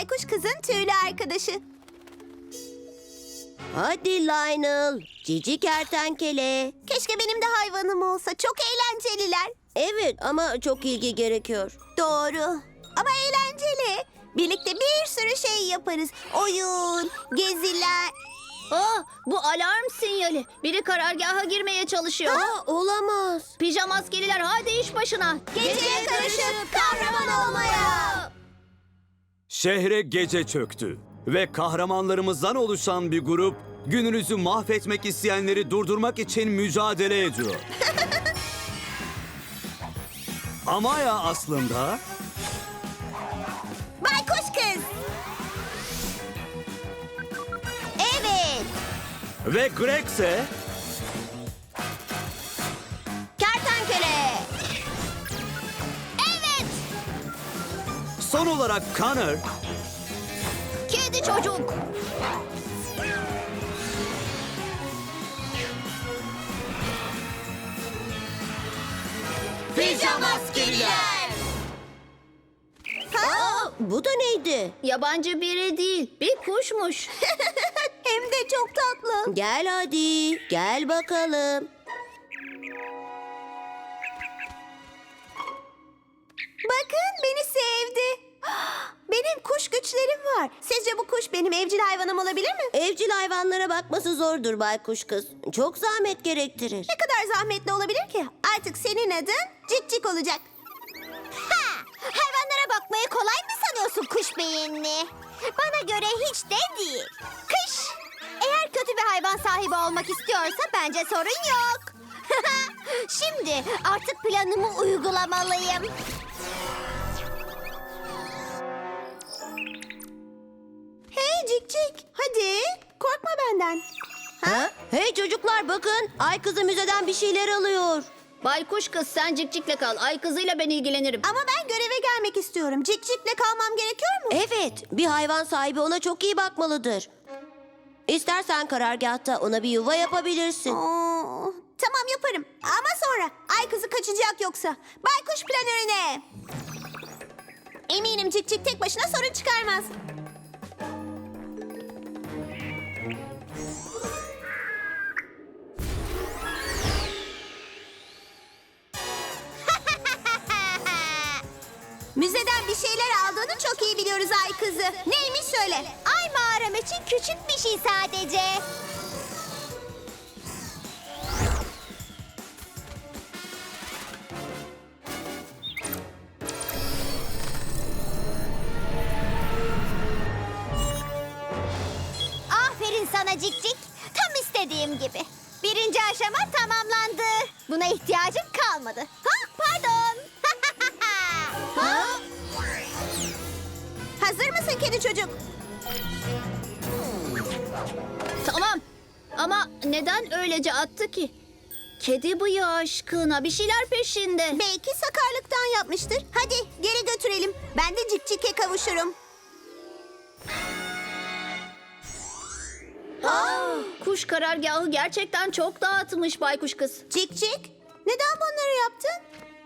baykuş kızın tüylü arkadaşı. Hadi Lionel, cici kertenkele. Keşke benim de hayvanım olsa. Çok eğlenceliler. Evet ama çok ilgi gerekiyor. Doğru. Ama eğlenceli. Birlikte bir sürü şey yaparız. Oyun, geziler. Bu alarm sinyali. Biri karargaha girmeye çalışıyor. Olamaz. Pijama askeriler hadi iş başına. Geceye karışıp kahraman olmaya. Şehre gece çöktü ve kahramanlarımızdan oluşan bir grup gününüzü mahvetmek isteyenleri durdurmak için mücadele ediyor. Amaya aslında Baykuş kız. Evet. ve Greg ise Kertenkele. Evet. son olarak Connor Kedi çocuk. Pijama askeriler. Bu da neydi? Yabancı biri değil, bir kuşmuş. Hem de çok tatlı. Gel hadi, gel bakalım. Bakın beni sevdi. Benim kuş güçlerim var. Sizce bu kuş benim evcil hayvanım olabilir mi? Evcil hayvanlara bakması zordur baykuş kız. Çok zahmet gerektirir. Ne kadar zahmetli olabilir ki? Artık senin adın Cikcik olacak. Ha! Hayvanlara bakmayı kolay mı sanıyorsun kuş beyinli? Bana göre hiç de değil. Kış! Eğer kötü bir hayvan sahibi olmak istiyorsa bence sorun yok. Şimdi artık planımı uygulamalıyım. Hey Cikcik, hadi korkma benden. Ha? Hey çocuklar bakın, ay kızı müzeden bir şeyler alıyor. Baykuş kız sen cikcikle kal. Ay kızıyla ben ilgilenirim. Ama ben göreve gelmek istiyorum. Cikcik'le kalmam gerekiyor mu? Evet, bir hayvan sahibi ona çok iyi bakmalıdır. İstersen karargahta ona bir yuva yapabilirsin. Tamam yaparım. Ama sonra. Ay kızı kaçacak yoksa. Baykuş planörüne. Eminim Cikcik tek başına sorun çıkarmaz. Müzeden bir şeyler aldığını çok iyi biliyoruz Ay kızı. Neymiş söyle. Ay mağaram için küçük bir şey sadece. Aferin sana Cikcik. Tam istediğim gibi. Birinci aşama tamamlandı. Buna ihtiyacım kalmadı. Ha, pardon. Ha? Hazır mısın kedi çocuk? Tamam. Ama neden öylece attı ki? Kedi bıyığı aşkına bir şeyler peşinde. Belki sakarlıktan yapmıştır. Hadi geri götürelim. Ben de Cikcik'e kavuşurum. Kuş karargahı gerçekten çok dağıtmış baykuş kız. Cikcik, neden bunları yaptın?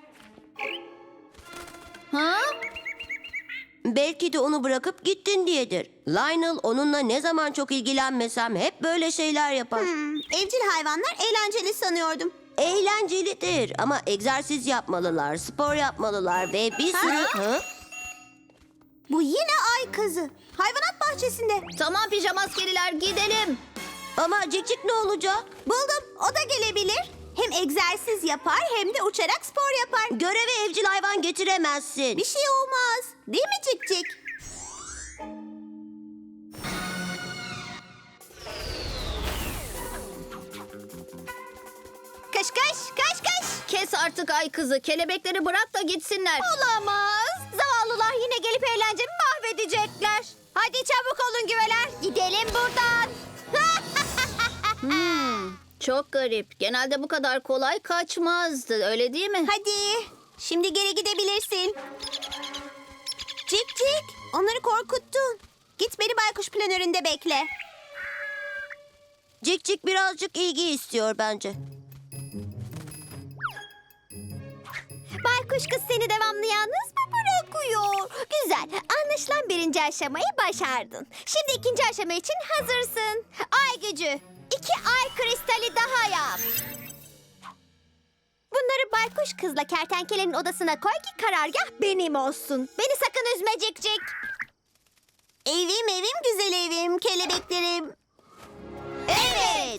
Ha? Belki de onu bırakıp gittin diyedir. Lionel onunla ne zaman çok ilgilenmesem hep böyle şeyler yapar. Evcil hayvanlar eğlenceli sanıyordum. Eğlencelidir ama egzersiz yapmalılar, spor yapmalılar ve bir sürü... Ha? Bu yine ay kızı. Hayvanat bahçesinde. Tamam pijama askeriler gidelim. Ama Cikcik ne olacak? Buldum. O da gelebilir. Hem egzersiz yapar hem de uçarak spor yapar. Göreve evcil hayvan getiremezsin. Bir şey olmaz. Değil mi Cikcik? Kış kış kış kış. Kes artık ay kızı. Kelebekleri bırak da gitsinler. Olamaz. Zavallılar yine gelip eğlencemi mahvedecekler. Hadi çabuk olun güveler. Gidelim buradan. Çok garip. Genelde bu kadar kolay kaçmazdı. Öyle değil mi? Hadi. Şimdi geri gidebilirsin. Cikcik. Onları korkuttun. Git beni baykuş planöründe bekle. Cikcik birazcık ilgi istiyor bence. Baykuş kız seni devamlı yalnız mı bırakıyor? Güzel. Anlaşılan birinci aşamayı başardın. Şimdi ikinci aşama için hazırsın. Ay gücü. 2 ay kristali daha yap. Bunları baykuş kızla kertenkelenin odasına koy ki karargah benim olsun. Beni sakın üzme Cikcik. Evim evim güzel evim kelebeklerim. Evet.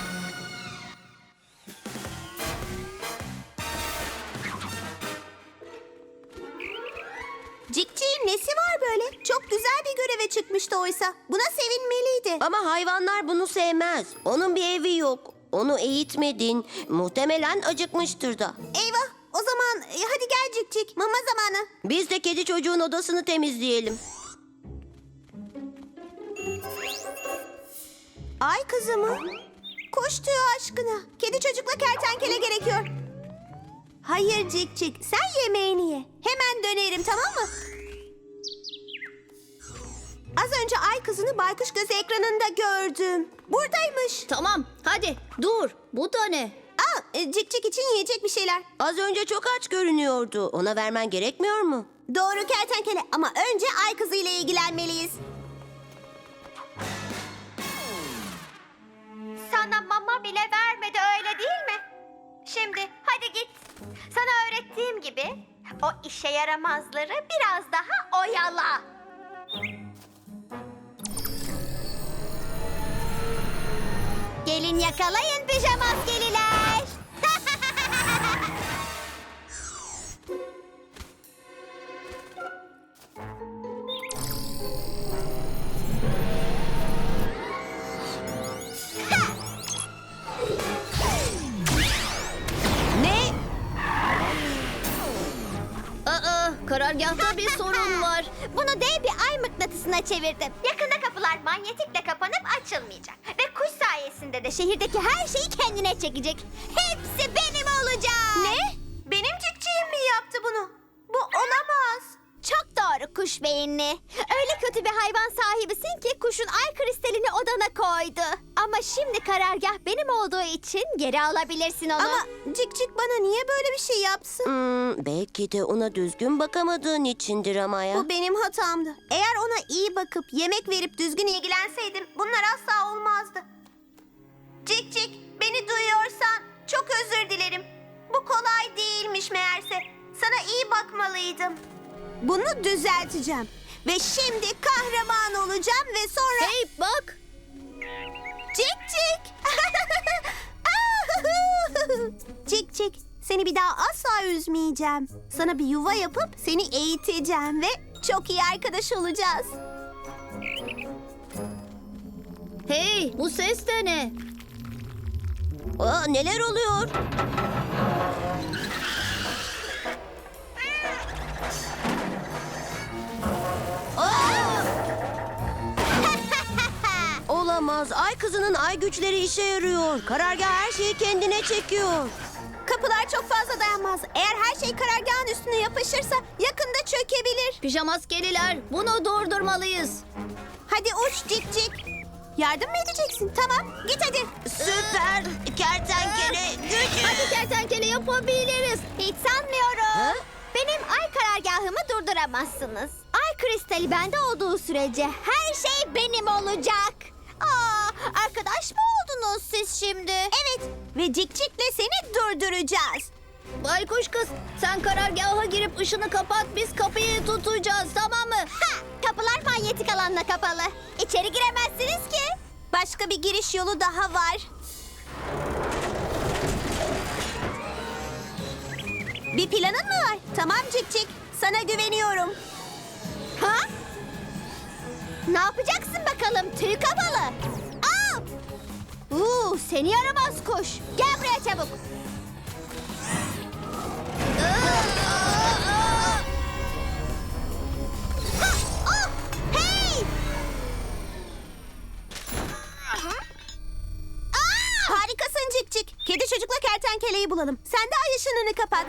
Cikcik'in nesi var böyle? Çok güzel bir göreve çıkmıştı oysa. Buna sevinmeliydi. Ama hayvanlar bunu sevmez. Onun bir evi yok. Onu eğitmedin. Muhtemelen acıkmıştır da. Eyvah. O zaman hadi gel Cikcik. Mama zamanı. Biz de kedi çocuğun odasını temizleyelim. Ay kızı mı? Koş tüyü aşkına. Kedi çocukla kertenkele gerekiyor. Hayır Cikcik. Sen yemeğini ye. Hemen dönerim tamam mı? Az önce ay kızını baykuş gözü ekranında gördüm. Buradaymış. Tamam, hadi dur. Bu da ne? Cikcik için yiyecek bir şeyler. Az önce çok aç görünüyordu. Ona vermen gerekmiyor mu? Doğru kertenkele ama önce ay kızı ile ilgilenmeliyiz. Sana mama bile vermedi öyle değil mi? Şimdi hadi git. Sana öğrettiğim gibi o işe yaramazları biraz daha oyala. Gelin yakalayın pijamaskeliler. Ne? Karargahta bir sorun var. Bunu dev bir ay mıknatısına çevirdim. Yakında kapılar manyetikle kapanıp açılmayacak. Ve kuş sayesinde de şehirdeki her şeyi kendine çekecek. Hepsi benim olacak. Ne? Benim cikciğim mi yaptı bunu? Bu olamaz. Çok doğru kuş beyinli. Öyle kötü bir hayvan sahibisin ki kuşun ay kristalini odana koydu. Ama şimdi karargah benim olduğu için geri alabilirsin onu. Ama Cikcik bana niye böyle bir şey yapsın? Belki de ona düzgün bakamadığın içindir ama ya. Bu benim hatamdı. Eğer ona iyi bakıp yemek verip düzgün ilgilenseydim bunlar asla olmazdı. Cikcik beni duyuyorsan çok özür dilerim. Bu kolay değilmiş meğerse. Sana iyi bakmalıydım. Bunu düzelteceğim. Ve şimdi kahraman olacağım ve sonra... Hey bak. Cikcik! Cikcik, seni bir daha asla üzmeyeceğim. Sana bir yuva yapıp seni eğiteceğim ve çok iyi arkadaş olacağız. Hey, bu ses de ne? Neler oluyor? Olamaz. Ay kızının ay güçleri işe yarıyor. Karargah her şeyi kendine çekiyor. Kapılar çok fazla dayanmaz. Eğer her şey karargahın üstüne yapışırsa yakında çökebilir. Pijamaskeliler, bunu durdurmalıyız. Hadi uç Cikcik. Yardım mı edeceksin? Tamam, git hadi. Süper kertenkele gücü. Hadi kertenkele yapabiliriz. Hiç sanmıyorum. Ha? Benim ay karargahımı durduramazsınız. Ay kristali bende olduğu sürece her şey benim olacak. Arkadaş mı oldunuz siz şimdi? Evet ve Cikcik'le seni durduracağız. Baykuş kız, sen karargaha girip ışını kapat, biz kapıyı tutacağız, tamam mı? Kapılar manyetik alanla kapalı. İçeri giremezsiniz ki. Başka bir giriş yolu daha var. Bir planın mı var? Tamam Cikcik, sana güveniyorum. Ha? Ne yapacaksın bakalım tüy kafalı? Seni yaramaz kuş. Gel buraya çabuk. Hey! Harikasın Cikcik. Kedi çocukla kertenkeleyi bulalım. Sen de ay ışınını kapat.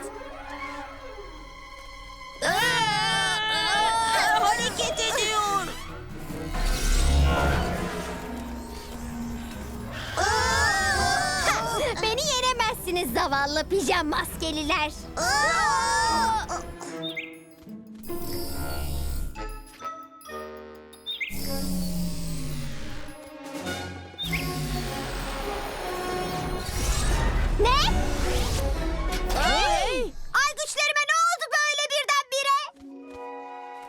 Hareket ediyor. Beni yenemezsiniz zavallı pijam maskeliler.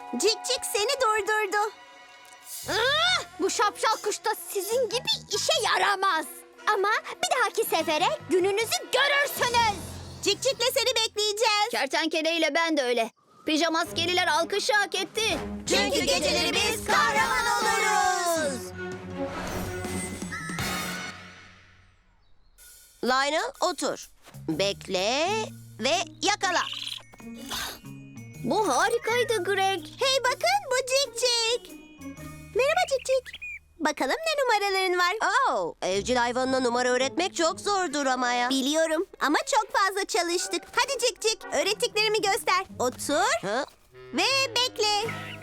Cik Cik seni durdurdu. Bu şapşal kuş da sizin gibi işe yaramaz. Ama bir dahaki sefere gününüzü görürsünüz. Cik Cik'le seni bekleyeceğiz. Kertenkele ile ben de öyle. Pijamaskeliler alkışı hak etti. Çünkü geceleri biz kahraman oluruz. Lionel otur. Bekle ve yakala. Bu harikaydı Greg. Hey bakın bu Cik Cik. Merhaba Cik Cik. Bakalım ne numaraların var? Oh, evcil hayvanına numara öğretmek çok zordur ama ya. Biliyorum ama çok fazla çalıştık. Hadi Cik Cik öğrettiklerimi göster. Otur Ha? ve bekle.